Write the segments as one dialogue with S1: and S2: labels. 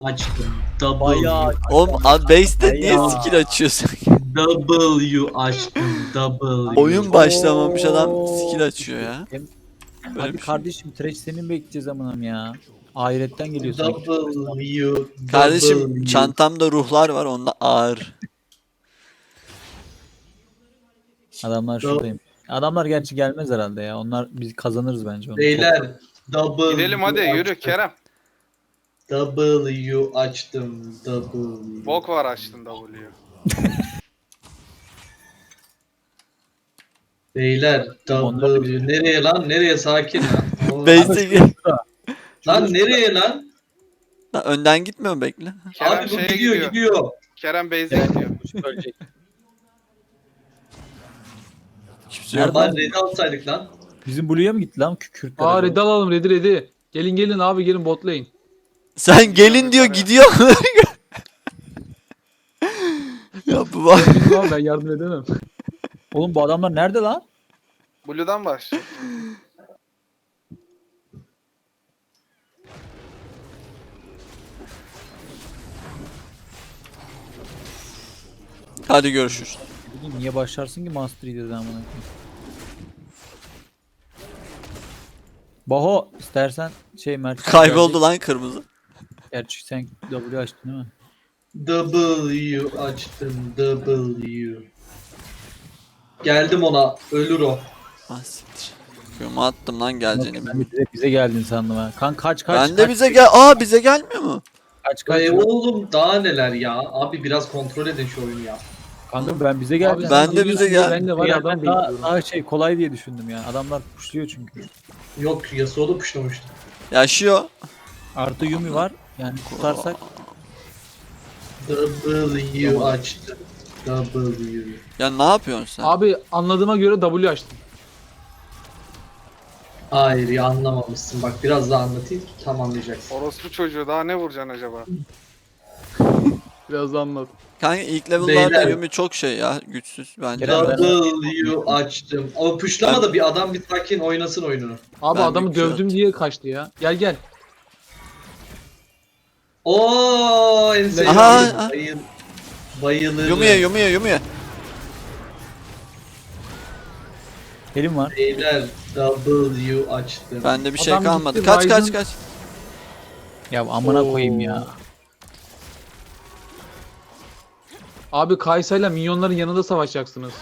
S1: açtım. W.
S2: Bayağı
S3: Oğlum base'de niye
S2: Ya.
S3: skill açıyorsun?
S1: W açtım. W.
S3: Oyun başlamamış adam skill açıyor ya.
S2: Hem-
S3: Böyle
S2: Hadi
S3: bir şey.
S2: kardeşim trash senin bekleyeceğiz amanım ya. Ahiretten geliyor sanki.
S1: W.
S3: Kardeşim
S1: W.
S3: çantamda ruhlar var, onda ağır.
S2: Adamlar şuradayım. Adamlar gerçi gelmez herhalde ya. Onlar biz kazanırız bence onu.
S1: Beyler. W.
S4: Gidelim hadi yürü
S1: açtım.
S4: Kerem.
S1: W açtım. W.
S4: Bok var açtın W'yu.
S1: Beyler.
S2: Onlar da
S1: W. Nereye lan? Nereye? Sakin lan.
S3: Base'de
S1: Lan nereye lan?
S3: Lan önden gitmiyor mu, bekle.
S4: Kerem
S1: Abi bu
S4: şeye
S1: gidiyor
S4: gidiyor.
S1: gidiyor.
S4: Kerem base'e gidiyor.
S2: Ölecek.
S3: Hiçbir şey yok.
S1: Lan red alsaydık lan.
S2: Bizim Blue'ya mı gitti lan Kürtler?
S5: Aa red alalım redi. Gelin abi gelin bot lane.
S3: Sen gelin diyor, gidiyor. Ya bu var.
S5: Bilmiyorum abi ben yardım edemem.
S2: Oğlum bu adamlar nerede lan?
S4: Blue'dan başla.
S3: Hadi görüşürüz.
S2: Bileyim, niye başlarsın ki Master Yi dedi amına koyayım. Baho istersen şey Mert.
S3: Kayboldu lan kırmızı.
S2: Gerçi sen W açtın değil mi?
S1: W açtım. W. Geldim ona. Ölür o.
S3: Ah siktir. Kıyıma attım lan geleceğini.
S2: Ben bize geldin sandım ha. Kan kaç
S3: Ben de bize gel. Aa, bize gelmiyor mu?
S2: kaç.
S1: Oğlum daha neler ya. Abi biraz kontrol edin şu oyunu ya.
S2: Kanka ben bize
S5: Abi
S2: geldim.
S3: Ben
S5: sen
S3: de
S5: geliyorsun
S3: bize
S5: diye
S3: gel.
S5: Ben de var ya adam
S2: daha,
S5: bekliyorum.
S2: daha şey kolay diye düşündüm ya. Adamlar pushluyor çünkü.
S1: Yok Yasuo da puşlamıştı.
S3: Yaşıyor.
S2: Artı Yumi var. Yani kurtarsak
S1: W açtım. W.
S3: Ya ne yapıyorsun sen?
S5: Abi anladığıma göre W açtım.
S1: Hayır ya anlamamışsın. Bak biraz daha anlatayım. Tam anlayacaksın.
S4: Orospu çocuğu daha ne vuracaksın acaba?
S5: Biraz da anlat.
S3: Kanka ilk level'larda
S1: Beyler.
S3: Yumi çok şey ya, güçsüz bence.
S2: Kerem,
S1: W açtım. O puşlama da bir adam bir sakin oynasın oyununu.
S5: Abi
S3: Ben
S5: adamı
S3: bir Q
S5: dövdüm diye kaçtı ya. Gel.
S1: Oo en sevdiğim.
S3: Aha.
S1: Bayılırım.
S3: Yumi'ye.
S2: elim var.
S1: Beyler W açtım.
S3: Bende bir şey
S5: Adam
S3: kalmadı.
S5: gitti,
S3: Kaç
S5: Ryzen-
S3: kaç.
S2: Ya amına
S5: Oo.
S2: koyayım ya.
S5: Abi Kaysa'yla minyonların yanında savaşacaksınız.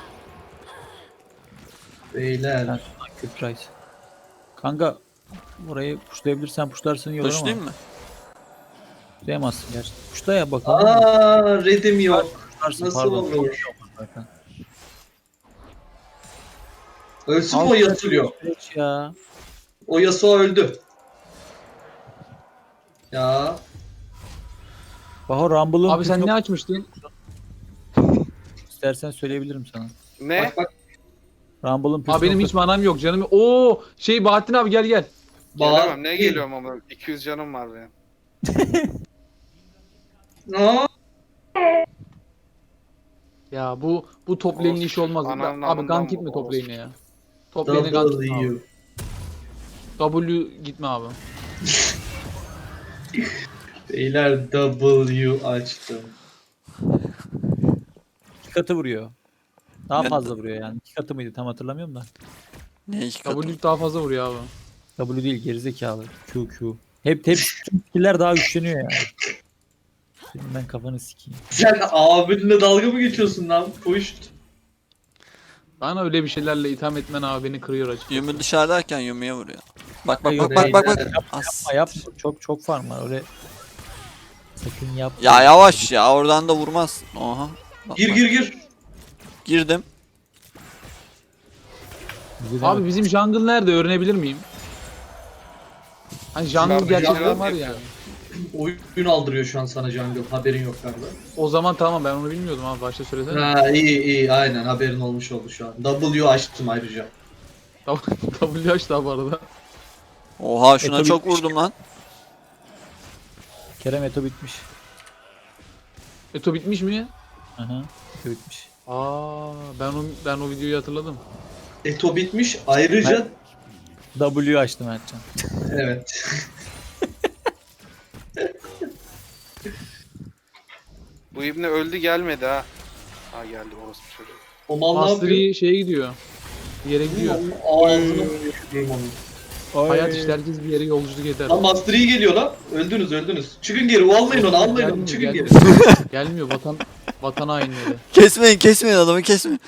S1: Beyler.
S2: Kürt Rice. Kanka burayı pushlayabilirsen pushlarsın iyi olur ama.
S3: Pushlayayım mı?
S2: Pushlayamazsın gerçi. Pushla ya bakalım.
S1: Aa redim yok.
S2: Pushlarsın,
S1: Nasıl
S2: pardon.
S1: olur?
S2: Zaten.
S1: Ölsün mü
S2: Al
S1: o Yasuo?
S2: Geç ya.
S1: O Yasuo öldü. Ya.
S2: Baho Rumble'ın
S5: Abi sen
S2: püf
S5: ne
S2: nok-
S5: açmıştın?
S2: istersen söyleyebilirim sana.
S4: Ne?
S1: Bak bak.
S2: Rumble'ın püf
S5: Abi benim
S2: noktası-
S5: hiç manam yok canım. Oo şey Bahattin abi gel.
S4: Gelemem. Ne geliyorum ama 200 canım var benim.
S1: Aa,
S5: Ya bu top lane'in
S4: Olsun.
S5: işi olmaz.
S4: Ananın
S5: Abi
S4: amından
S5: gank gitme
S4: bu,
S5: top
S4: olsun.
S5: lane'e ya. Top lane'e gank gitme abi.
S1: W.
S5: W gitme abi.
S1: Beyler W açtım.
S2: 2 katı vuruyor. Daha
S3: Ben-
S2: fazla vuruyor yani. 2 katı mıydı tam hatırlamıyorum da.
S3: Ne iki katı?
S5: W daha fazla vuruyor abi.
S2: W değil gerizekalı. Q. Hep tüm skill'ler daha güçleniyor yani. Senin ben kafanı sikeyim.
S1: Sen abinle dalga mı geçiyorsun lan? Push.
S5: Bana öyle bir şeylerle itham etmen abi beni kırıyor açık.
S3: Yumi dışarıdayken Yumi'ye vuruyor. Bak bak
S2: Yok,
S3: bak bak bak.
S1: beyler.
S3: As.
S2: Ama yap çok farm var öyle. Sakın yap.
S3: Ya yavaş ya, oradan da vurmaz. Oha. Bak,
S1: Gir
S3: bak.
S1: gir.
S3: Girdim.
S2: Bize de
S5: Abi
S2: bak.
S5: bizim jungle nerede öğrenebilir miyim? Hani jungle
S4: Jungle
S5: gerçekten
S4: jungle
S5: var
S4: yapıyor.
S5: yani.
S1: Oyun aldırıyor şu an sana jungle. Haberin yok galiba.
S5: O zaman tamam ben onu bilmiyordum abi başta söylesene.
S1: Ha iyi aynen haberin olmuş oldu şu an. W açtım ayrıca.
S5: W açtı abi bu arada.
S3: Oha, şuna
S2: tabii
S3: çok
S2: bitmiş.
S3: vurdum lan.
S2: Kerem Eto bitmiş.
S5: Eto bitmiş mi?
S2: Aha. Eto bitmiş.
S5: Aa ben o videoyu hatırladım.
S1: Eto bitmiş ayrıca
S2: W açtım Mertcan.
S1: evet.
S4: Bu ibne öldü gelmedi ha. Ha geldi orası çocuğu.
S1: O mal ne yapıyor?
S5: Mastery şeye gidiyor. Bir yere gidiyor.
S1: Ağzına sıçrıyorum onu.
S5: Hayat işte herkes bir yere yolculuk eder.
S1: Lan Master Yi geliyor lan. Öldünüz öldünüz. Çıkın geri. O almayın onu almayın onu.
S5: Gelmiyor,
S1: Çıkın geri.
S5: gelmiyor. Gelmiyor vatan hainleri.
S3: Kesmeyin adamı kesmeyin.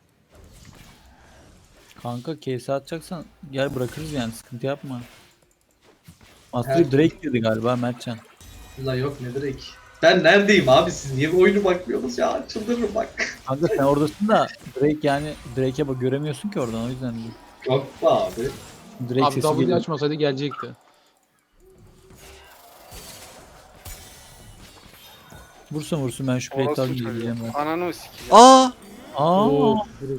S2: Kanka case atacaksan gel bırakırız yani sıkıntı yapma.
S1: Her
S2: Master Drake dedi galiba Mertcan.
S1: Ulan yok ne direkt. Ben neredeyim abi siz niye bu oyunu bakmıyorsunuz ya çıldırırım bak.
S2: Kanka sen oradasın da Drake yani Drake'e bak göremiyorsun ki oradan o yüzden değil.
S1: Yok be abi.
S2: Drake
S5: Abi
S2: sesi
S5: W
S2: geliyor.
S5: açmasaydı gelecekti.
S2: Vursun ben şu plate
S4: Orası
S2: alayım
S4: çocuğu.
S2: diyeceğim ben.
S4: Ananı mı sikeceğim?
S3: Aa!
S2: Aa,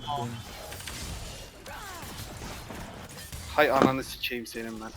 S4: Hay ananı sikeyim senin ben.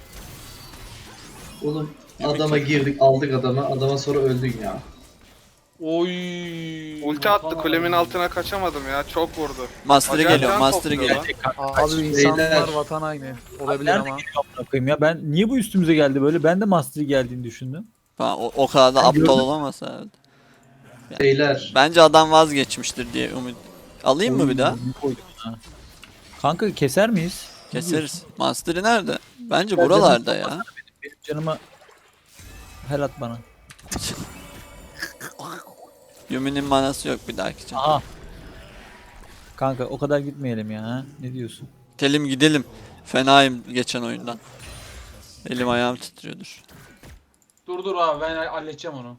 S1: Oğlum adama girdik aldık adama sonra öldün ya.
S5: Oy.
S4: Ulti attı kulemin altına kaçamadım ya. Çok vurdu.
S3: Master'ı
S4: Acayip
S3: geliyor
S4: can
S3: Master'ı
S4: topluyor
S3: geliyor.
S4: lan.
S5: Abi insanlar
S1: beyler.
S5: vatan haini. Olabilir
S2: nerede
S5: ama.
S2: amına koyayım ya ben niye bu üstümüze geldi böyle? Ben de Master'ı geldiğini düşündüm.
S3: O kadar da
S2: Ben
S3: aptal
S2: gördüm.
S3: olamaz herhalde.
S1: Beyler.
S3: Bence adam vazgeçmiştir diye umut. Alayım mı bir daha?
S2: Oy, koydum ha. Kanka keser miyiz?
S3: Keseriz. Master'ı nerede? Bence
S2: Ben
S3: buralarda
S2: canım
S3: ya.
S2: Benim canıma her at bana.
S3: Yumi'nin manası yok bir dahaki için.
S2: Aha. Kanka o kadar gitmeyelim ya. Ha? Ne diyorsun?
S3: Gidelim gidelim. Fenayım geçen oyundan. Elim ayağım titriyordur.
S5: Dur abi ben halledeceğim onu.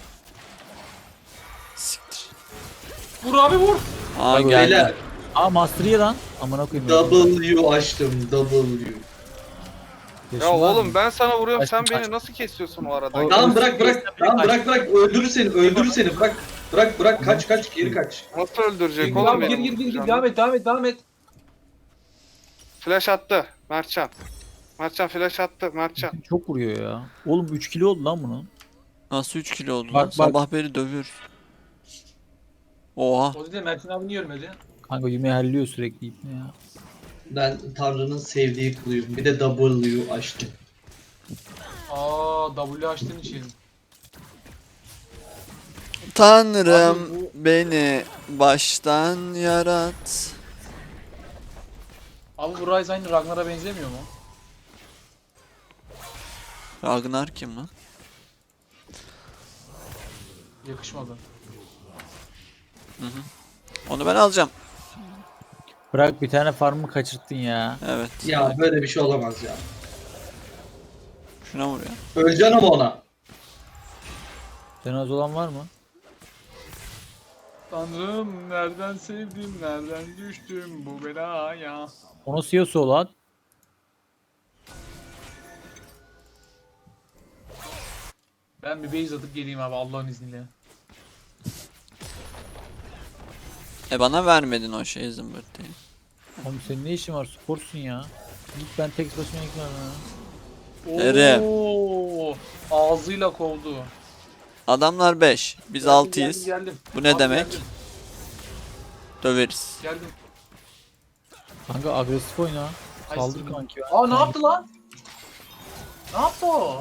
S3: Siktir.
S5: Vur abi vur.
S3: Aa
S2: Bak,
S3: geldi.
S1: Beyler.
S2: Aa Master'ı ye lan. Amına koyayım.
S1: W açtım W.
S4: Ya oğlum ben sana vuruyorum
S2: Kaç-
S4: sen
S2: kaç-
S4: beni nasıl kesiyorsun o arada?
S2: O-
S1: Tamam bırak öldürür seni bırak kaç geri kaç.
S4: Nasıl öldürecek
S5: Gir
S4: oğlum
S5: gir
S4: beni?
S5: gir gir devam et.
S4: Flash attı Mertcan. Mertcan flash attı Mertcan.
S2: Çok vuruyor ya. Oğlum 3 kilo oldu lan bunun.
S3: Nasıl 3 kilo oldu
S2: Bak,
S3: lan?
S2: bak.
S3: Sabah beri dövüyoruz. Oha.
S5: O yüzden Mert'in abi niye ölmedi?
S2: Kanka Yumi halliyor sürekli ipne ya.
S1: Ben Tanrı'nın sevdiği kuluyum. Bir de W açtım.
S5: W açtığın için.
S3: Tanrım
S5: Abi bu-
S3: beni baştan yarat.
S5: Abi bu Ryze aynı Ragnar'a benzemiyor mu?
S3: Ragnar kim lan?
S5: Yakışmadı.
S3: Onu ben alacağım.
S2: Bırak bir tane farmı kaçırttın ya.
S3: Evet.
S1: Ya böyle bir şey olamaz ya.
S3: Şuna vur ya.
S1: Öleceksin ama ona.
S2: Cenaze olan var mı?
S5: Tanrım nereden sevdim nereden düştüm bu belaya.
S2: Onu Siyası olan.
S5: Ben bir base atıp geleyim abi Allah'ın izniyle.
S3: Bana vermedin o şey zımbırtıyı.
S2: Oğlum senin ne işin var? Sporsun ya. Git ben tek başıma yıkıyorum ya.
S3: Ere.
S5: Oo, ağzıyla kovdu.
S3: Adamlar 5. Biz 6'yız.
S5: Geldim.
S3: Bu ne
S5: Abi
S3: demek?
S5: Geldim.
S3: Döveriz.
S5: geldim.
S2: Kanka agresif oyna.
S5: Ay,
S2: Saldır
S5: sinir.
S2: kanki.
S5: Aa ne yaptı lan? Ne yaptı o?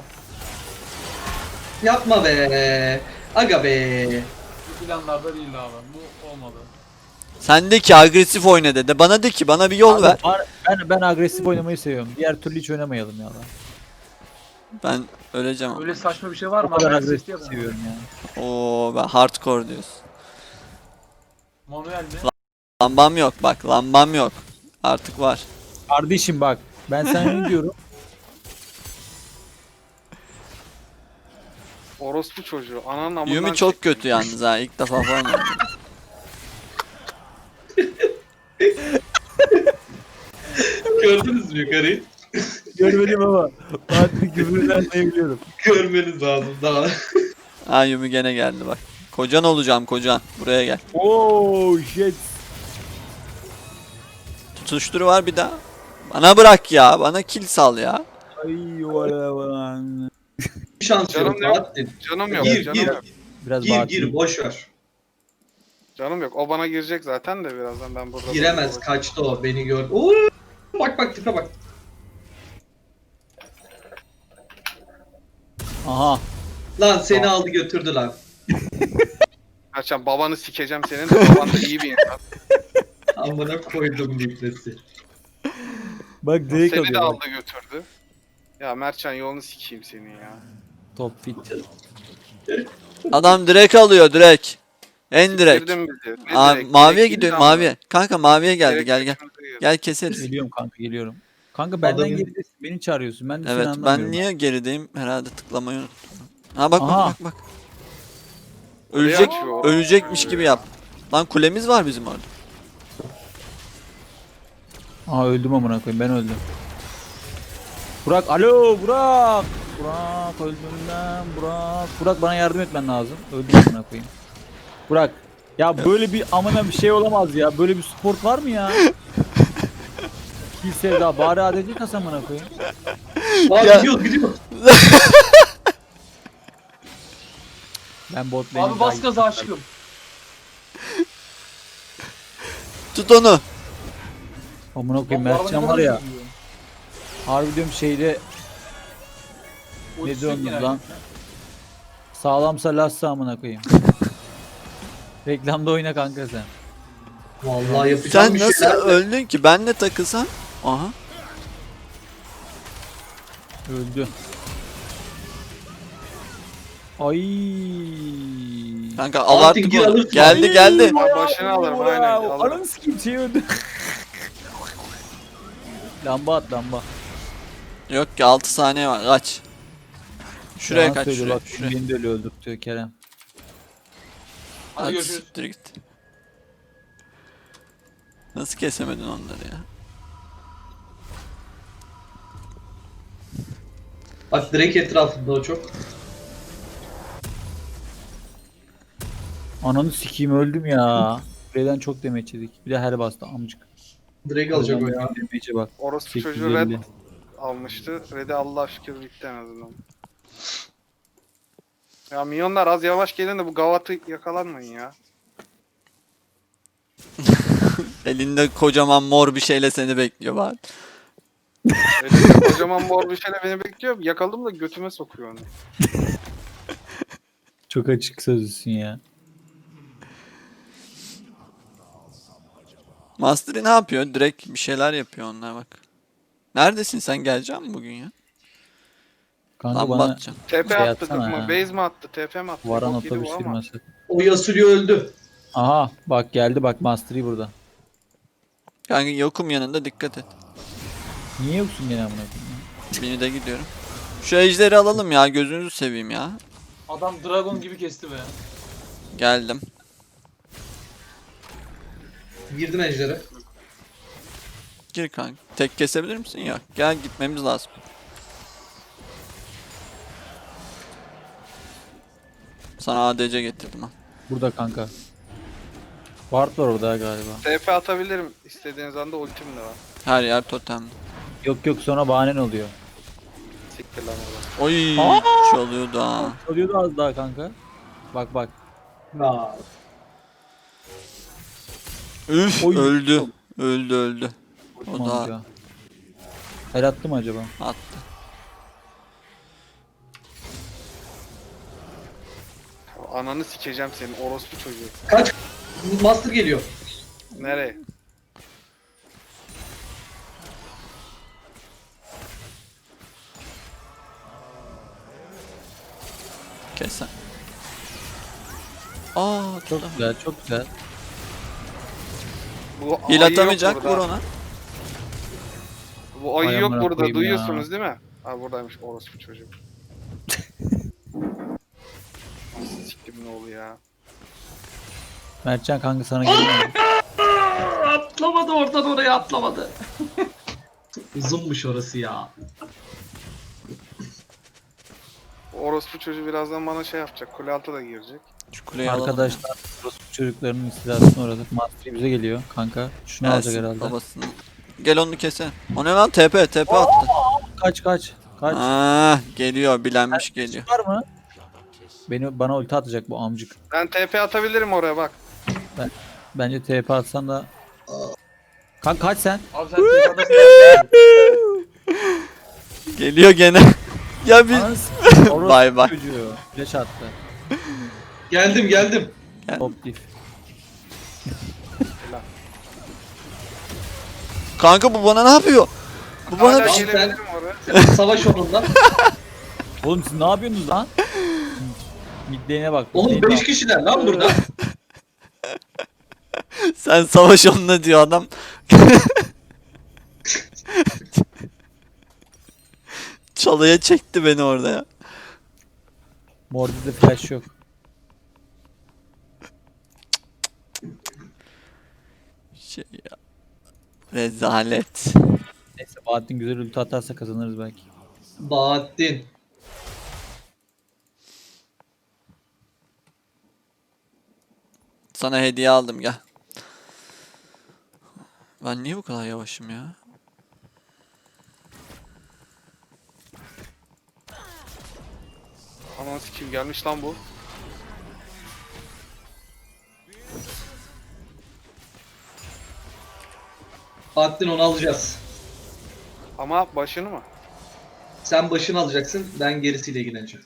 S1: Yapma be. Aga be.
S5: Bu planlarda değildi abi. Bu olmadı.
S3: Sen de ki agresif oyna dedi. Bana de ki bana bir yol ver.
S2: Ben agresif oynamayı seviyorum. Diğer türlü hiç oynamayalım ya lan.
S3: Ben öleceğim.
S5: Öyle saçma bir şey var
S2: O
S5: mı?
S2: kadar
S5: Ben
S2: agresif
S5: sesli yapamam.
S2: seviyorum yani.
S3: Oo ben hardcore diyorsun.
S5: Manuel mi?
S3: Lambam yok bak lambam yok. Artık var.
S2: Kardeşim bak. Ben sana ne diyorum?
S4: Orospu çocuğu. Ananın amından
S3: Yumi çok
S4: çektim.
S3: kötü yalnız ha. İlk defa falan oynadım.
S1: Gördünüz mü yukarıyı?
S2: Görmedim ama. Fatih küfürden sayabiliyorum.
S1: Görmeniz lazım daha.
S3: Ha Yumi gene geldi bak. Kocan olacağım kocan. Buraya gel.
S2: Oh shit.
S3: Tutuşturu var bir daha. Bana bırak ya. Bana kill sal ya.
S2: Ay valla.
S1: Bir şans
S4: Canım
S1: yok
S4: yok.
S1: Bahattin.
S4: Canım yok.
S1: Gir
S4: canım
S1: gir.
S4: yok.
S2: Biraz
S1: Gir
S2: Fatih.
S1: gir boş ver.
S4: Canım yok. O bana girecek zaten de birazdan ben burada.
S1: Giremez kaçtı o beni gör. Oo, bak tipe bak.
S2: Aha.
S1: Lan seni aldı götürdü lan.
S4: Mertcan babanı sikeceğim senin de baban da iyi bir insan.
S1: Amına koydum litresi.
S2: Bak direkt
S4: Seni de
S2: alıyor.
S4: aldı götürdü. Ya Mertcan yolunu sikeyim seni ya.
S2: Top fit.
S3: Adam direkt alıyor direkt. En direkt.
S4: Siktirdin bizi. Ne
S3: Aa,
S4: direkt?
S3: maviye
S4: Direkt
S3: gidiyor
S4: gitti ama.
S3: maviye. Kanka maviye geldi
S4: Direkt
S3: gel gel.
S4: götümüze girdi.
S3: Gel keseriz.
S2: Geliyorum kanka geliyorum. Kanka benden
S1: Adamın-
S2: geridesin. Beni çağırıyorsun. Ben de seni
S3: Evet
S2: anlamıyorum.
S3: ben niye gerideyim? Herhalde tıklamayı unuttum. Ha bak
S2: Aha.
S3: bak bak bak. Ölecek,
S4: Oraya açıyor.
S3: ölecekmiş gibi yap. Lan kulemiz var bizim orada.
S2: Aha öldüm amına koyayım ben öldüm. Burak alo Burak. Burak öldüm lan Burak. Burak bana yardım etmen lazım. Öldüm amına koyayım. Burak ya böyle bir amına bir şey olamaz ya. Böyle bir sport var mı ya? Kill sevda bari ADC kas amına koyayım.
S1: Aa
S3: Ya-
S1: gidiyor.
S2: Ben bot lane'im
S5: Abi bas gaza aşkım.
S3: Tut onu.
S2: Amına koyayım
S5: Lan bu
S2: Mertcan
S5: araba
S2: var
S5: ne
S2: ya.
S5: kadar hızlı gidiyor?
S2: Harbi diyorum şeyde ne
S5: Ultisi
S2: diyorsunuz
S5: yok
S2: lan? Sağlamsa lassa amına koyayım. Reklamda oyna kanka sen.
S1: Vallahi yapacağım
S3: Sen
S1: bir
S3: nasıl
S1: şeyler de.
S3: öldün ki? Benle takılsan. Aha.
S2: Öldü. Ay.
S3: Kanka
S1: Aa,
S3: abarttık
S1: Tingil
S3: onu.
S1: alırsın.
S3: Geldi geldi.
S4: Abi başını alırım, aynen, alırım.
S2: Ananı sikeyim şey öldü. Lamba at lamba.
S3: Yok ki 6 saniye var. Kaç. Şuraya
S2: Yalan
S3: kaç
S2: söylüyor,
S3: şuraya.
S2: bak,
S3: Şuraya.
S2: Beni de öyle öldürtüyor Kerem.
S5: Hadi
S3: Hadi
S5: görüşürüz.
S3: siktir git. Nasıl kesemedin onları ya?
S1: Bak direkt etrafında o çok.
S2: Ananı sikeyim öldüm ya. Kuleden çok demeç yedik. Bir de her bastı amcık.
S1: Direkt alacak o ya.
S2: Demece bak.
S4: Orospu çocuğu
S2: 850.
S4: red almıştı. Red'i Allah şükür bitti en azından. Ya milyonlar az yavaş gelin de bu gavatı yakalanmayın ya.
S3: Elinde kocaman mor bir şeyle seni bekliyor bari.
S4: Elinde kocaman mor bir şeyle beni bekliyor. Yakaladım da götüme sokuyor onu.
S2: Çok açık sözlüsün ya.
S3: Mastery ne yapıyor? Direkt bir şeyler yapıyor onlar bak. Neredesin sen gelecek misin bugün ya?
S2: Kanka
S3: Lamba
S2: bana
S3: atacağım.
S4: TP
S2: Şey
S4: attık
S2: atsana
S4: mı?
S2: ya.
S4: Base mi attı? TP mi attı?
S2: varan
S4: Bok yedi bu
S2: otobüs
S4: ama.
S2: firması.
S1: O Yasuo öldü.
S2: Aha bak geldi bak Mastery burada.
S3: Kanka yokum yanında dikkat et.
S2: Niye yoksun gene amına koyayım ya?
S3: Beni de gidiyorum. Şu ejderi alalım ya gözünüzü seveyim ya.
S5: Adam dragon gibi kesti be.
S3: Geldim.
S1: Girdim ejdere.
S3: Gir kanka. Tek kesebilir misin? Yok. Gel gitmemiz lazım. Sana ADC getirdim ha.
S2: Burada kanka. Ward var orada galiba.
S4: TP atabilirim. İstediğiniz anda ultim de var.
S3: Her yer totemli.
S2: Yok yok sonra bahanen oluyor.
S4: Siktir lan oradan.
S3: Oy çalıyordu ha.
S2: Oluyordu az daha kanka. Bak bak.
S1: Aa,
S3: Üf
S2: Oy.
S3: öldü. Öldü öldü. O da
S2: Amca. El attı mı acaba?
S3: attı.
S4: Ananı sikeceğim senin orospu çocuğu.
S1: kaç. Master geliyor.
S4: Nereye?
S3: Kes sen. Aa
S2: Çok
S3: çok
S2: güzel çok güzel.
S4: Bu
S3: Hil
S4: ayı
S3: atamayacak
S4: yok
S3: vur
S4: burada.
S3: ona.
S4: Bu ayı
S2: Ay
S4: yok
S2: amına
S4: burada
S2: koyayım
S4: duyuyorsunuz değil mi? Ha buradaymış orospu çocuğu. Nasıl siktim ne oldu ya?
S2: Mertcan kanka sana geliyor mu?
S1: Atlamadı oradan oraya atlamadı. Uzunmuş orası ya.
S4: Orospu çocuğu birazdan bana şey yapacak. Kule altı da girecek.
S3: Şu kuleyi alalım.
S2: Arkadaşlar orospu çocuklarının istilasına uğradık. Mastery bize geliyor kanka. Şunu
S3: ya.
S2: alacak
S3: Gelsin
S2: herhalde.
S3: babasını. Gel onu kese. O ne lan TP attı.
S2: Kaç kaç. Kaç.
S3: Aa geliyor bilenmiş geliyor.
S2: Var mı? Bana ulti atacak bu amcık.
S4: Ben TP atabilirim oraya bak.
S2: Bence TP atsan da. Kanka kaç sen?
S5: Abi sen TP'dasın.
S3: Geliyor gene. Ya bir
S2: Ananı s- orospu
S3: Bay bay.
S2: çocuğu. Flash attı.
S1: Geldim.
S2: Top diff.
S3: Kanka bu bana ne yapıyor? Bu bana
S4: Hala
S3: bir şey...
S4: gelebilirim oraya.
S1: Savaş onunla.
S2: Oğlum siz ne yapıyorsunuz lan? Midlane'e bak.
S1: Oğlum
S2: midlane'e
S1: 5
S2: bak.
S1: kişiler lan burada.
S3: Sen savaş onunla diyor adam. Çalıya çekti beni orada ya.
S2: Morde'de flash yok.
S3: Şey ya. Rezalet.
S2: Neyse Bahattin güzel ulti atarsa kazanırız belki.
S1: Bahattin.
S3: Sana hediye aldım gel. Ben niye bu kadar yavaşım ya?
S4: Aman sikim gelmiş lan bu.
S1: Bahattin onu alacağız.
S4: Ama başını mı?
S1: Sen başını alacaksın, ben gerisiyle ilgileneceğim.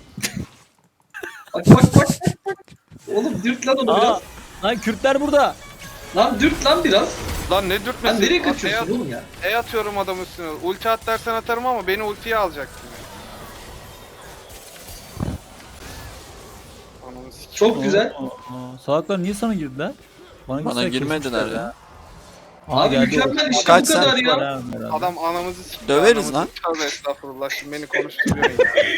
S1: Bak. Oğlum dürt lan onu
S2: Aa,
S1: biraz.
S2: lan Kürtler burada.
S1: Lan dürt lan biraz.
S4: Lan ne dürtmesi?
S1: Lan nereye
S4: Lan
S1: kaçıyorsun oğlum ya?
S4: atıyorum adam üstüne. Ulti at dersen atarım ama beni ultiye alacaksın. Ananı sikim.
S1: Çok güzel.
S2: Salaklar niye sana girdiler?
S3: Bana
S2: gitseler
S3: girmediler
S2: kesmişler
S3: ya.
S2: Aa,
S1: Abi
S2: geldi
S1: mükemmel
S2: o.
S1: işte
S3: Kaç
S1: bu kadar
S3: saat
S1: ya.
S2: Var ha, herhalde.
S4: Adam anamızı sikti.
S3: Döveriz
S4: anamızı
S3: lan.
S4: Tövbe estağfurullah şimdi beni konuşturuyorsun ya.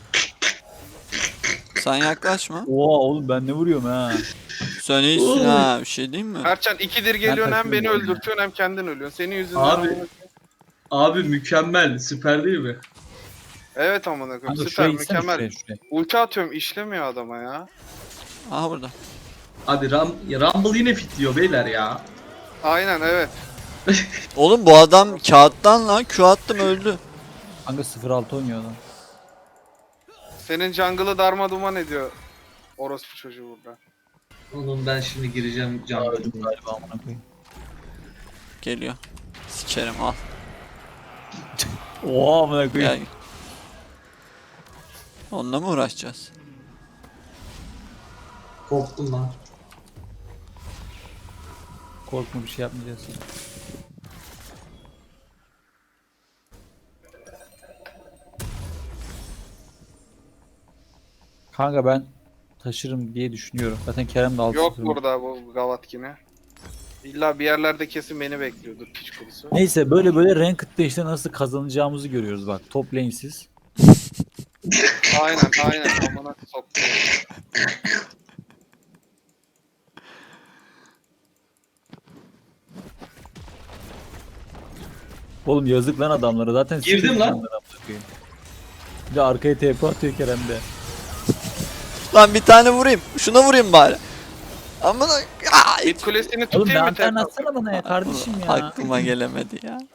S3: Sen yaklaşma.
S2: Oha oğlum ben ne vuruyorum ha.
S3: Sen iyisin ha. Bir şey diyeyim mi?
S4: Erçan ikidir geliyorsun hem beni
S2: takılıyorum ya.
S4: öldürtüyorsun hem kendin ölüyorsun. Senin yüzünden
S1: Abi.
S4: amına-
S1: Abi mükemmel, süper değil mi?
S4: Evet amına koyayım
S2: Kanka
S4: süper
S2: şuraya gitsene
S4: mükemmel.
S2: şuraya.
S4: Ulti atıyorum işlemiyor adama ya.
S3: Aha burada.
S1: Abi Rumble yine fitliyor beyler ya.
S4: Aynen evet.
S3: Oğlum bu adam kağıttan lan. Q attım öldü.
S2: Kanka 0-6 oynuyor adam.
S4: Senin jungle'ı darma duman ediyor. Orospu çocuğu burada.
S1: Oğlum ben şimdi gireceğim
S2: Aa,
S1: canlı.
S2: öldüm galiba amına koyayım.
S3: Geliyor. Sikerim al.
S2: Oha amına
S3: Gel.
S2: koyayım.
S3: Onunla mı uğraşacağız?
S1: Korktum lan.
S2: Korkma bir şey yapmayacağız. Kanka ben taşırım diye düşünüyorum. Zaten Kerem de 6-0.
S4: Yok burada bu Gavatkine. İlla bir yerlerde kesin beni bekliyordur piç kurusu.
S2: Neyse böyle ranked'da işte nasıl kazanacağımızı görüyoruz bak. Top lane'siz.
S4: Aynen amına soktum.
S2: Oğlum yazık lan adamlara zaten.
S1: Girdim
S2: sıkıntı
S1: lan.
S2: onlara amına koyayım. Bir de arkaya TP atıyor Kerem de.
S3: Lan bir tane vurayım. Şuna vurayım bari. Ama da...
S4: Mid kulesini
S2: Oğlum
S4: tutayım
S2: bir
S4: mı
S2: anten
S4: tekrar?
S2: atsana bana ya kardeşim ya.
S3: Aklıma gelemedi ya.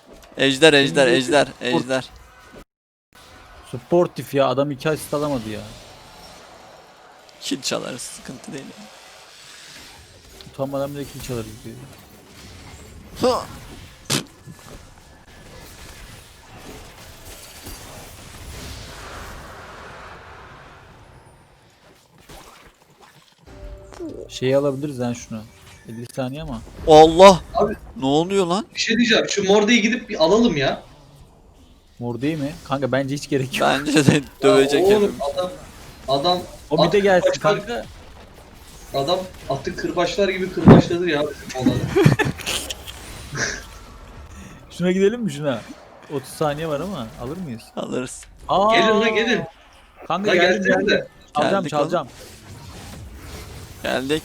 S3: Ejder.
S2: Sportif ya adam 2 asist alamadı ya.
S3: Kill çalarız sıkıntı değil.
S2: Utanmadan bile kill çalarız diyor.
S3: Hı.
S2: Şeyi alabiliriz yani şunu. 50 saniye ama.
S3: Allah.
S1: Abi.
S3: Ne oluyor lan?
S1: Bir şey diyeceğim, şu Morde'yi gidip bir alalım ya.
S2: Mor değil mi? Kanka bence hiç gerek yok.
S3: Bence de dövecek
S1: Ya oğlum
S3: hepimiz.
S1: adam
S2: O bir de gelsin
S1: Başka-
S2: kanka.
S1: adam atı kırbaçlar gibi kırbaçladı ya bizim olanı.
S2: Şuna gidelim mi şuna? 30 saniye var ama alır mıyız?
S3: Alırız.
S2: Aa!
S1: Gelin lan gelin.
S2: Kanka
S1: La
S2: geldim
S1: gelsene
S2: geldim.
S1: de.
S2: Çalacağım
S3: Geldik
S2: çalacağım.
S3: Geldik.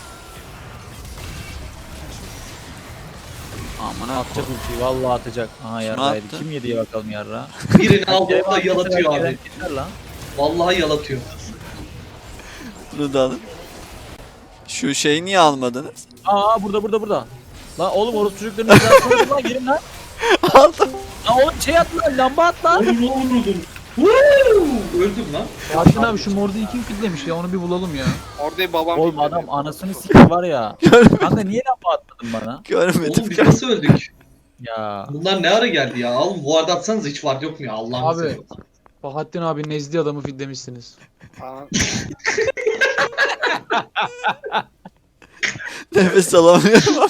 S3: Amına
S2: Atacak ultiyi vallahi atacak. Aha yarraydı.
S3: attı?
S2: Kim yedi ya bakalım yarra.
S1: Birini aldı da yalatıyor abi.
S2: Yeter lan.
S1: Vallahi yalatıyor.
S3: bunu da alın. Şu şeyi niye almadınız?
S2: Aa burada. Lan oğlum orası çocukların izlasını lan girin lan.
S3: Aldım.
S2: Lan oğlum şey at lan lamba at lan.
S1: Oğlum ne vurdum. Woo! Öldüm lan.
S5: Yasin abi şu Morde'yi kim fitlemiş ya onu bir bulalım ya.
S4: Orada babam
S2: Oğlum
S4: fitledi.
S2: adam anasını sikti var ya. Kanka niye lamba atmadın bana?
S3: Görmedim.
S1: Oğlum biz nasıl öldük?
S2: Ya.
S1: Bunlar ne ara geldi ya? Oğlum bu arada atsanız hiç var yok mu ya? Allah'ını
S5: Abi.
S1: seviyorum.
S5: Bahattin abi nezli adamı fitlemişsiniz.
S4: Aa,
S3: Nefes alamıyorum.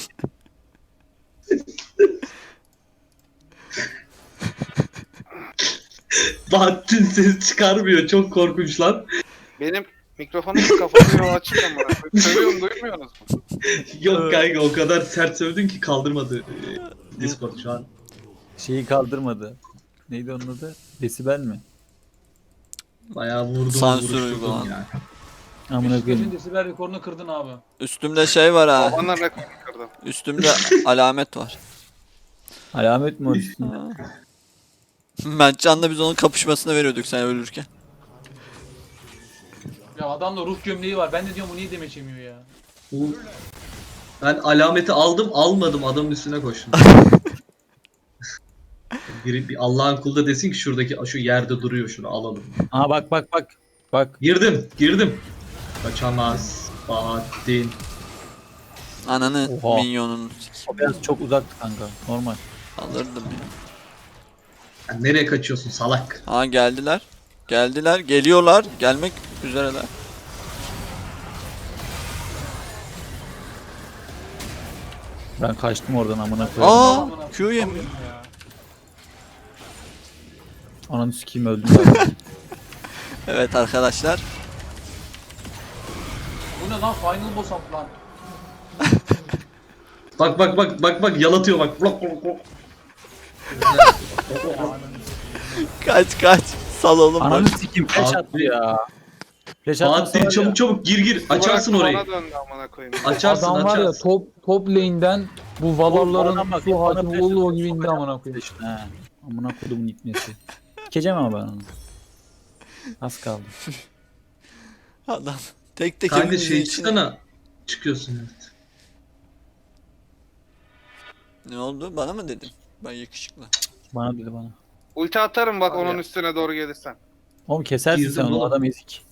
S1: Bahattin ses çıkarmıyor. Çok korkunç lan.
S4: Benim mikrofonum kafamı yol açık ama. Söylüyorum duymuyorsunuz mu?
S1: Yok kanka o kadar sert sövdün ki kaldırmadı Discord şu an.
S2: Şeyi kaldırmadı. Neydi onun adı? Desibel mi?
S1: Bayağı vurdum
S3: Sansür
S1: vuruşturdum
S3: uygulandı.
S1: ya.
S2: Amına
S5: Beşiktaş'ın
S2: koyayım.
S5: desibel rekorunu kırdın abi.
S3: Üstümde şey var ha.
S4: Babanla rekor kırdım.
S3: Üstümde alamet var.
S2: Alamet mi o üstünde?
S3: Mertcan'la biz onun kapışmasına veriyorduk sen ölürken.
S5: Ya adamda ruh gömleği var. Ben de diyorum bu niye demeç yemiyor ya.
S1: Bu- Ben alameti aldım almadım adamın üstüne koştum. Bir Allah'ın kulu da desin ki şuradaki şu yerde duruyor şunu alalım.
S2: Aa bak bak bak. Bak.
S1: Girdim. Kaçamaz. Bahattin.
S3: Ananı
S2: Oha.
S3: minyonun
S2: O biraz çok uzaktı kanka. Normal.
S3: alırdım ya.
S1: Sen nereye kaçıyorsun salak?
S3: Ha geldiler. Geldiler. Geliyorlar. Gelmek üzereler.
S2: Ben kaçtım oradan amına koyayım.
S3: Aa Q yemiyor.
S5: Ya.
S2: Ananı sikeyim öldüm zaten.
S3: Evet arkadaşlar.
S5: Bu ne lan? Final boss up lan.
S1: Bak yalatıyor bak. Blok blok blok.
S3: Kaç. Sal oğlum
S2: Ananı
S3: bak.
S2: sikeyim flash
S1: Abi.
S2: attı ya. Flash attı
S1: Bahattin çabuk gir. Açarsın
S4: Bırak,
S1: orayı.
S4: bana döndü amına koyayım.
S1: Açarsın
S5: Adam var ya
S1: açarsın.
S5: top lane'den bu valorların
S2: Adam bak,
S5: su
S2: bana
S5: hakimi
S2: flash
S5: olduğu
S2: atıyor,
S5: gibi indi
S2: sokacağım
S5: amına koyayım.
S2: flash'ını, he. Amına kodumun itmesi. Sikeceğim ama ben onu. Az kaldı.
S3: Adam. Tek
S1: Kanka
S3: hepimizin
S1: şey
S3: içine-
S1: çıksana. Çıkıyorsun evet.
S3: Ne oldu? Bana mı dedin? Ben yakışıklı.
S2: Bana dedi bana.
S4: Ulti atarım bak
S1: Abi
S4: onun
S1: ya.
S4: üstüne doğru gelirsen.
S2: Oğlum kesersin
S1: Girdim
S2: sen onu
S1: oğlum.
S2: adam ezik.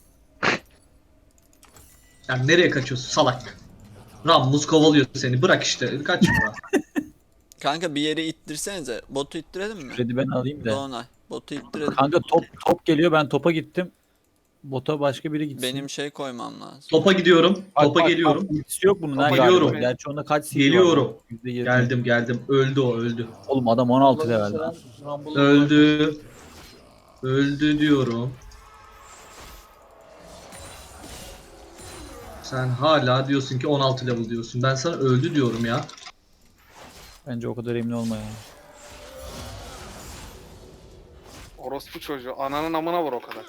S1: Sen nereye kaçıyorsun salak? Rammus kovalıyor seni. Bırak işte. Kaçma.
S3: Kanka bir yere ittirsenize. Botu ittirelim mi?
S2: Kredi ben alayım da.
S3: Doğanay. Botu ittirelim.
S2: Kanka top geliyor ben topa gittim. Bota başka biri gitsin.
S3: Benim şey koymam lazım.
S1: Topa gidiyorum.
S2: Bak,
S1: Topa
S2: bak,
S1: geliyorum.
S2: Bak, ultisi yok bunun
S1: Topa
S2: ha
S1: geliyorum.
S2: galiba. Gerçi onda kaç CD var?
S1: Geliyorum.
S2: %20.
S1: Geldim. Öldü o öldü.
S2: Oğlum adam 16 level lan.
S1: Öldü diyorum. Sen hala diyorsun ki 16 level diyorsun. Ben sana öldü diyorum ya.
S2: Bence o kadar emin olma ya.
S4: Orospu çocuğu. Ananın amına vur o kadar.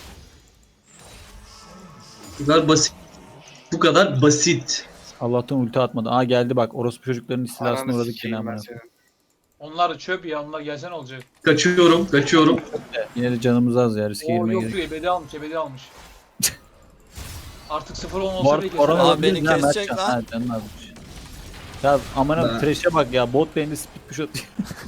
S1: Bu kadar basit. Bu kadar basit.
S2: Allah'tan ulti atmadı. Aa geldi bak orospu çocukların istilasına
S4: Ananı
S2: uğradık yine
S4: sikeyim ben
S2: amına.
S4: senin.
S5: Onlar da çöp ya. Onlar gelsen olacak.
S1: Kaçıyorum.
S2: Yine de canımız az ya riske
S5: Oo
S2: girmeye
S5: yok
S2: gerek.
S5: diyor ebedi almış. Artık 0-10
S2: Bu
S5: olsa
S2: arada
S5: bile
S2: Koran
S5: keser.
S3: Abi
S2: olabilir
S3: beni
S2: ya,
S3: kesecek
S2: Mertcan.
S3: lan.
S2: Ha, canın azmış. Ya amına
S1: Ben-
S2: trash'e bak ya bot lane'de speed push atıyor.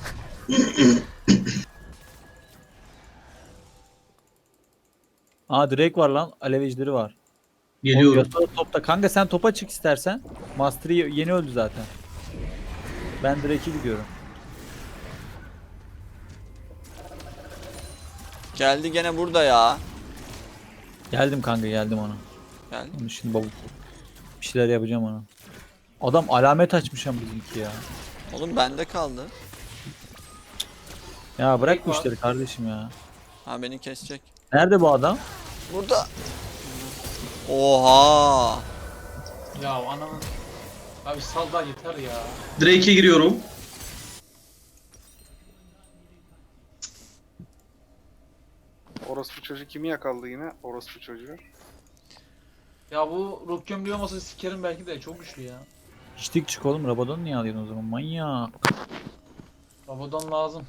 S2: Aa Drake var lan. Alev ejderi var.
S1: Geliyorum.
S2: Oğlum, Yasuo topta. Kanka sen topa çık istersen. Mastery yeni öldü zaten. Ben Drake'e gidiyorum.
S3: Geldi gene burada ya.
S2: Geldim kanka geldim ona.
S3: Geldi.
S2: Onu şimdi bavuk. Bir şeyler yapacağım ona. Adam alamet açmış ama bizimki ya.
S3: Oğlum bende kaldı.
S2: Ya bırak bu
S5: var.
S2: işleri kardeşim ya.
S3: Ha beni kesecek.
S2: Nerede bu adam?
S3: Burada. Oha.
S5: Ya ananın. Abi sal da yeter ya.
S1: Drake'e giriyorum.
S4: Orospu çocuğu kimi yakaladı yine? Orospu çocuğu.
S5: Ya bu ruh gömleği olmasa sikerim belki de çok güçlü ya.
S2: Hiçlik çık oğlum. Rabadon niye alıyorsun o zaman? Manyak.
S5: Babadan lazım.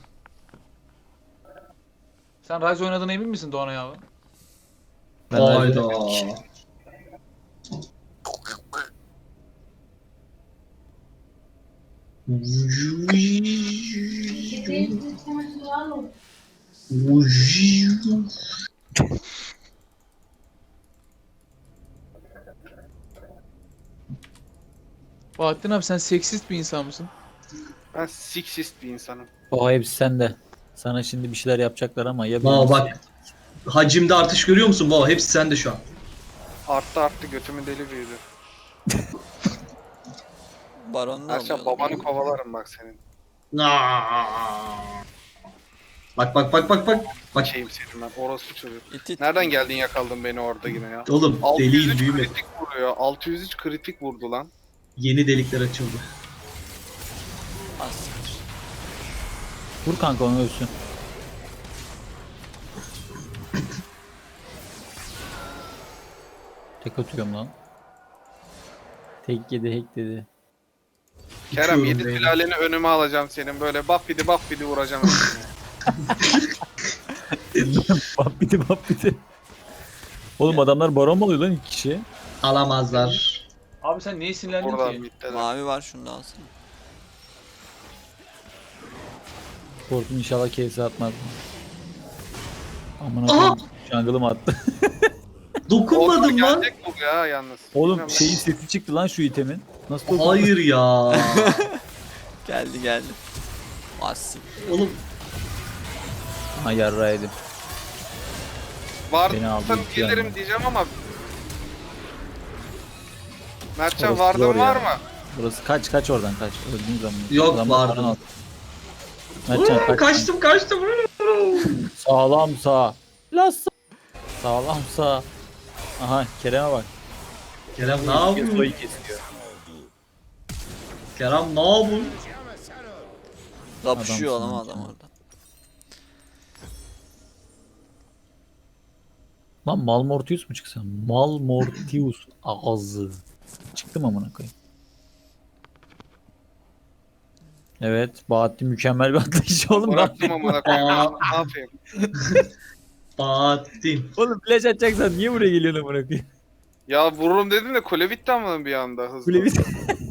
S5: Sen Rise oynadığına emin misin Doğanay abi?
S2: Ben
S1: Hayda.
S5: Bahattin abi sen seksist bir insan mısın?
S4: Ben sexist bir insanım.
S2: O hepsi sende. Sana şimdi bir şeyler yapacaklar ama ya
S1: Vaa
S2: bilirsin.
S1: bak. Hacimde artış görüyor musun? Vaa hepsi sende şu an.
S4: Arttı götümün deli büyüdü.
S3: Baron da
S4: Erşan
S3: alıyor.
S4: babanı kovalarım bak senin.
S1: Aa! Bak. Bak.
S4: Şeyim senin ben orospu çocuk.
S3: İt it.
S4: Nereden geldin yakaldın beni orada yine ya?
S1: Oğlum
S4: 603
S1: deliğin büyüme.
S4: kritik vuruyor. 603 kritik vurdu lan.
S1: Yeni delikler açıldı.
S3: Az siktir.
S2: Vur kanka onu ölsün. Tek atıyorum lan. Tek yedi hack dedi.
S4: Kerem
S1: Uçuyorum
S4: 7
S1: beyler.
S4: sülaleni önüme alacağım senin böyle buff bidi vuracağım.
S2: Bap bir de. Oğlum adamlar baron mu alıyor lan 2 kişi?
S1: Alamazlar.
S5: Abi sen niye sinirlendin
S4: Oradan
S5: ki?
S4: middeler.
S3: Mavi var şunu da alsana.
S2: Korkun inşallah kese atmaz. Aman
S1: Aha!
S2: akıllı jungle'ım attı.
S1: Dokunmadım
S4: Oradan
S1: lan.
S4: gelecek bu ya yalnız.
S2: Oğlum
S4: Bilmiyorum
S2: şeyin sesi çıktı lan şu itemin. Nasıl dokundu?
S1: Hayır ya.
S3: Geldi. Az siktir.
S1: Oğlum
S2: Ha yarraydım.
S4: ben.
S2: Beni aldı,
S4: Vardım
S2: iki yandan.
S4: gelirim diyeceğim ama. Mertcan
S2: Orası
S4: vardın
S2: zor ya.
S4: var mı?
S2: Burası kaç oradan kaç. Öldüğün zaman.
S1: Yok,
S2: Adamlar
S1: vardı.
S2: baron aldı. Mertcan kaç.
S1: kaçtım.
S2: Sağlam sağ. Sağlam sağ. Aha Kerem'e bak.
S1: Kerem ne
S2: Yasuo'yu
S1: yapıyorsun?
S2: kesiyor.
S1: Kerem ne yapıyorsun?
S3: Kapışıyor
S2: Adamsın
S3: adam
S2: lan
S3: adam
S2: sen.
S3: orada.
S2: Lan Malmortius mu çıksa? Malmortius ağzı. Çıktım amına koyayım. Evet, Bahattin mükemmel bir atlayış oğlum.
S4: Bıraktım amına koyayım.
S1: Aa.
S4: Ne yapayım?
S1: Bahattin.
S2: Oğlum flash atacaksan niye buraya geliyorsun amına koyayım?
S4: Ya vururum dedim de kule bitti ama bir anda hızlı.
S2: Kule bir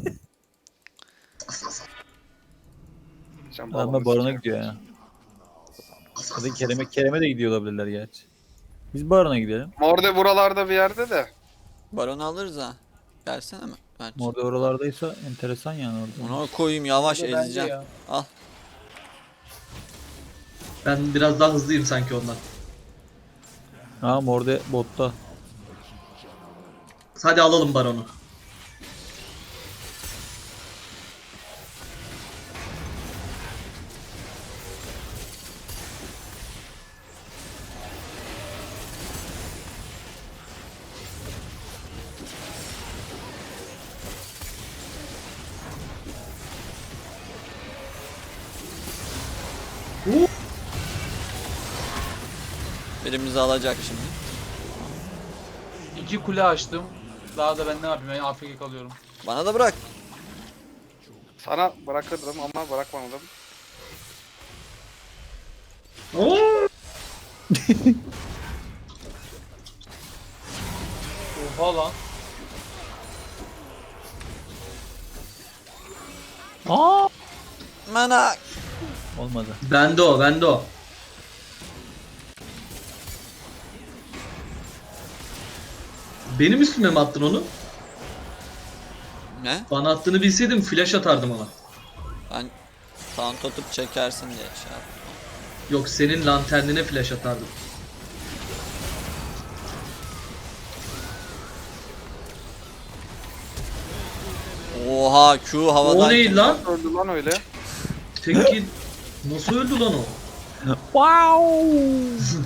S4: Can
S2: adamlar
S4: babanı
S2: barona
S4: sikerim.
S2: gidiyor ya. Ya da Kerem'e de gidiyor olabilirler gerçi. Biz barona gidelim.
S4: Morde buralarda bir yerde de.
S3: Baron'u alırız ha. Gelsene mi? Bence.
S2: Orada oralardaysa enteresan yani orada.
S3: Ona koyayım yavaş
S2: Orada bence
S3: ezeceğim.
S2: ya.
S3: Al.
S1: Ben biraz daha hızlıyım sanki ondan.
S2: Ha orada botta.
S1: Hadi alalım baronu.
S3: Birimizi alacak şimdi.
S5: 2 kule açtım. Daha da ben ne yapayım? Ben AFK kalıyorum.
S3: Bana da bırak.
S4: Sana bırakırdım ama bırakmadım.
S1: Oo!
S5: Oha lan.
S2: Aa!
S3: Mana.
S2: Olmadı.
S1: Bende o. Benim üstüme mi attın onu?
S3: Ne?
S1: Bana attığını bilseydim flash atardım ona.
S3: Ben taunt atıp çekersin diye şey yaptım.
S1: Yok senin lanternine flash atardım.
S3: Oha Q havadan.
S1: O neydi lan?
S4: Öldü lan öyle.
S1: Peki nasıl öldü lan o?
S2: Wow!